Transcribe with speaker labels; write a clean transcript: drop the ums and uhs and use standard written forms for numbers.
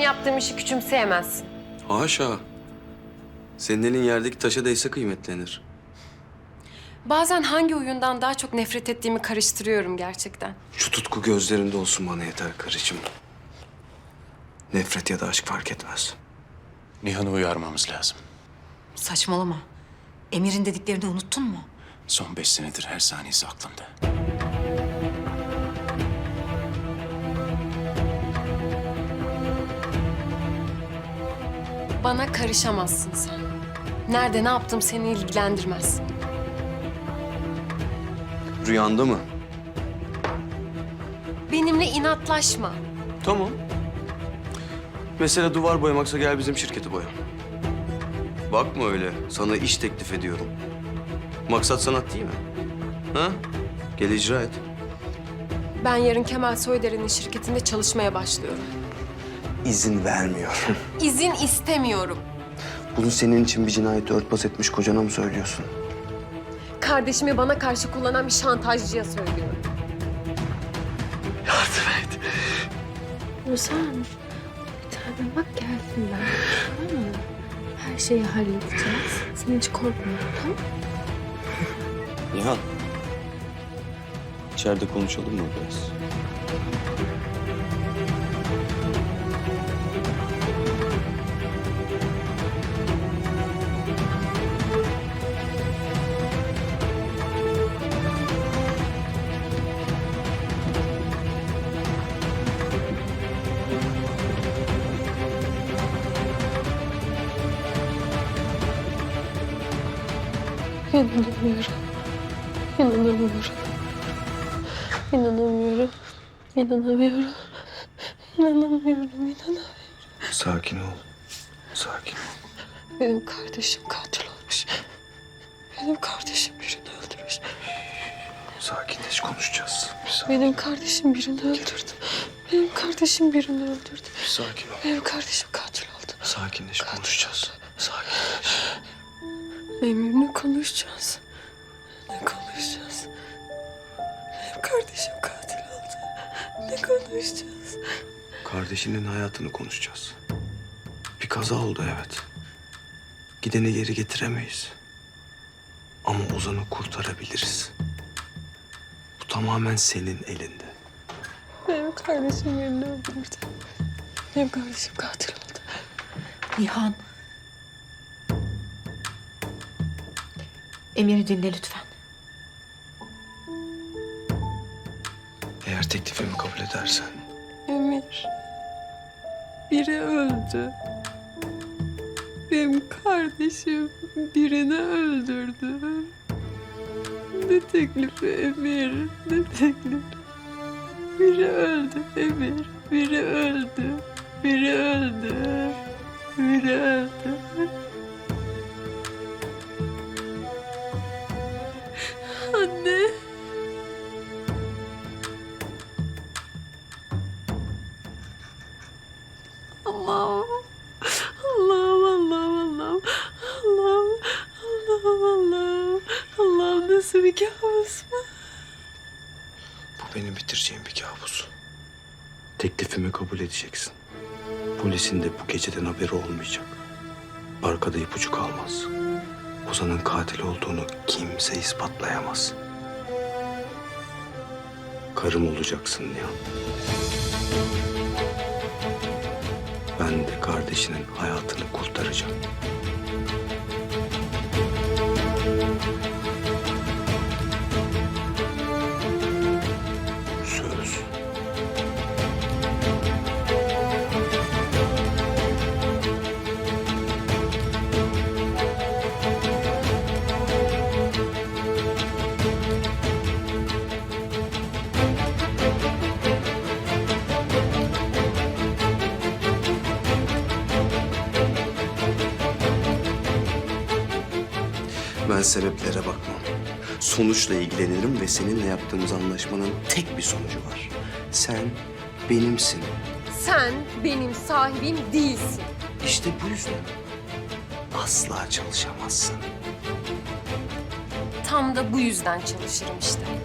Speaker 1: yaptığım işi küçümseyemezsin.
Speaker 2: Haşa. Senin elin yerdeki taşa değse kıymetlenir.
Speaker 1: Bazen hangi oyundan daha çok nefret ettiğimi karıştırıyorum gerçekten.
Speaker 2: Şu tutku gözlerinde olsun bana yeter karıcığım. Nefret ya da aşk fark etmez.
Speaker 3: Nihan'ı uyarmamız lazım.
Speaker 4: Saçmalama. Emir'in dediklerini unuttun mu?
Speaker 3: Son 5 senedir her saniyesi aklımda.
Speaker 1: Bana karışamazsın sen. Nerede ne yaptım seni ilgilendirmez.
Speaker 2: Rüyanda mı?
Speaker 1: Benimle inatlaşma.
Speaker 2: Tamam. Mesela duvar boyamaksa gel bizim şirketi boya. Bakma öyle. Sana iş teklif ediyorum. Maksat sanat değil mi? Ha? Gel icra et.
Speaker 1: Ben yarın Kemal Soyder'in şirketinde çalışmaya başlıyorum.
Speaker 2: İzin vermiyorum.
Speaker 1: İzin istemiyorum.
Speaker 2: Bunu senin için bir cinayeti örtbas etmiş kocana mı söylüyorsun?
Speaker 1: Kardeşimi bana karşı kullanan bir şantajcıya söylüyorum.
Speaker 2: Yardım et.
Speaker 5: Ozan, bir tane bak geldim ben. Tamam mı? Her şeyi halledeceğiz. Sen hiç korkma, tamam?
Speaker 2: Nihan. İçeride konuşalım mı biraz?
Speaker 5: İnanamıyorum. İnanamıyorum. İnanamıyorum. İnanamıyorum. İnanamıyorum.
Speaker 2: Sakin ol. Sakin ol.
Speaker 5: Benim kardeşim katil olmuş. Benim kardeşim birini öldürmüş.
Speaker 2: Sakinleş, konuşacağız.
Speaker 5: Benim kardeşim birini öldürdü. Benim kardeşim birini öldürdü.
Speaker 2: Sakin ol.
Speaker 5: Benim kardeşim katil oldu.
Speaker 2: Sakinleş, konuşacağız. Sakinleş.
Speaker 5: Emir'le konuşacağız. Ne konuşacağız? Benim kardeşim katil oldu. Ne konuşacağız?
Speaker 2: Kardeşinin hayatını konuşacağız. Bir kaza oldu evet. Gideni geri getiremeyiz. Ama Ozan'ı kurtarabiliriz. Bu tamamen senin elinde.
Speaker 5: Benim kardeşim birini öldürdü. Benim kardeşim katil oldu.
Speaker 4: Nihan. Emir'i dinle lütfen.
Speaker 2: Eğer teklifimi kabul edersen
Speaker 5: Emir. Biri öldü. Benim kardeşim birini öldürdü. Ne teklifi Emir? Ne teklifi? Biri öldü Emir. Biri öldü. Biri öldü. Biri öldü. Anne. Allah'ım. Allah'ım, Allah'ım, Allah'ım. Allah'ım, Allah'ım, Allah'ım. Allah'ım nasıl bir kabus bu?
Speaker 2: bu benim bitireceğim bir kabus. Teklifimi kabul edeceksin. Polisin de bu geceden haberi olmayacak. Arkada ipucu kalmaz. Ozan'ın katil olduğunu kimse ispatlayamaz. Karım olacaksın Nihan. Ben de kardeşinin hayatını kurtaracağım. Söz. Ben sebeplere bakmam. Sonuçla ilgilenirim ve seninle yaptığımız anlaşmanın tek bir sonucu var. Sen benimsin.
Speaker 1: Sen benim sahibim değilsin.
Speaker 2: İşte bu yüzden asla çalışamazsın.
Speaker 1: Tam da bu yüzden çalışırım işte.